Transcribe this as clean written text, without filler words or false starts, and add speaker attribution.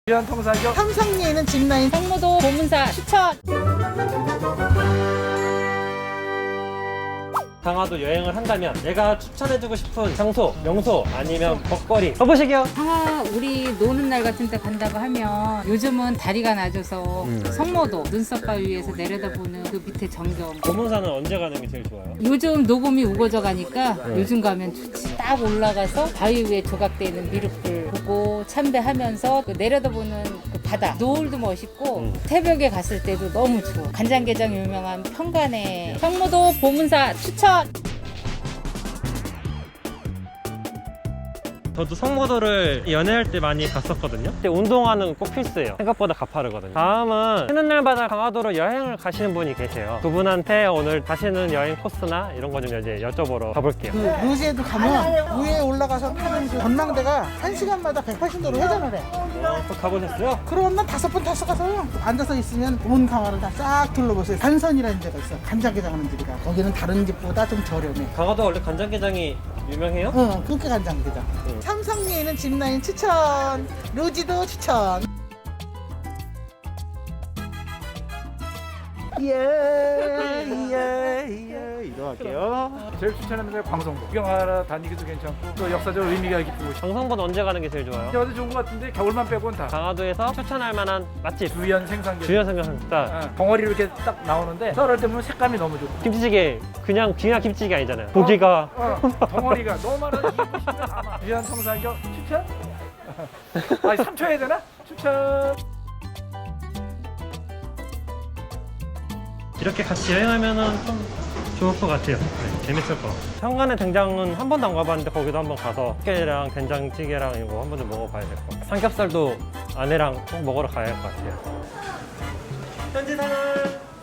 Speaker 1: 위안 통사교
Speaker 2: 삼성리에는 짚라인
Speaker 3: 성모도 보문사 추천.
Speaker 4: 강화도 여행을 한다면 내가 추천해주고 싶은 장소, 명소 아니면 먹거리 가보시게요.
Speaker 3: 강화 우리 노는 날 같은 때 간다고 하면 요즘은 다리가 낮아서 성모도 눈썹 바위 위에서 내려다보는 그 밑에 전경.
Speaker 4: 보문사는 언제 가는 게 제일 좋아요?
Speaker 3: 요즘 녹음이 우거져 가니까 요즘 가면 좋지. 딱 올라가서 바위 위에 조각되어 있는 미륵불 보고 참배하면서 그 내려다보는 그 바다 노을도 멋있고 새벽에 갔을 때도 너무 좋아. 간장게장 유명한 평간에 성모도 보문사 추천.
Speaker 4: 저도 성모도를 연애할 때 많이 갔었거든요. 근데 운동화는 꼭 필수예요. 생각보다 가파르거든요. 다음은 쉬는 날마다 강화도로 여행을 가시는 분이 계세요. 그분한테 오늘 가시는 여행 코스나 이런 거 좀 이제 여쭤보러 가볼게요.
Speaker 2: 그 루지에도 가면 위에 올라가서 타는 그 전망대가 1시간마다 180도로 회전을 해.
Speaker 4: 또 가보셨어요?
Speaker 2: 그러면 난 5번 탔어 가서 앉아서 있으면 온 강화를 다 싹 둘러보세요. 단선이라는 데가 있어. 간장게장 하는 집이라. 거기는 다른 집보다 좀 저렴해.
Speaker 4: 강화도 원래 간장게장이 유명해요?
Speaker 2: 그렇게 간장게장. 삼성리에는 짚라인 추천. 루지도 추천.
Speaker 1: 이거 할게요. 제일 추천하는 데가 광성도. 구경하러 다니기도 괜찮고 또 역사적 의미가 깊고
Speaker 4: 정성보다 언제 가는 게 제일 좋아요?
Speaker 1: 어디 좋은 것 같은데 겨울만 빼고는 다
Speaker 4: 강화도에서 추천할 만한 맛집
Speaker 1: 주연 생산기
Speaker 4: 주요 생각합니다.
Speaker 1: 덩어리로 이렇게 딱 나오는데 썰을 때 보면 색감이 너무 좋고
Speaker 4: 김치찌개 그냥 김치찌개 아니잖아요. 고기가
Speaker 1: 덩어리가 너무 많아서 입고 싶으면 아마 주연 통사교 추천? 아니 3초 해야 되나? 추천.
Speaker 4: 이렇게 같이 여행하면은 좀 좋을 것 같아요. 네, 재밌을 것 같아요. 현관의 된장은 한 번도 안 가봤는데 거기도 한번 가서 깨랑 된장찌개랑 이거 한 번 좀 먹어봐야 될 것 같아요. 삼겹살도 아내랑 꼭 먹으러 가야 할 것 같아요. 현지 생활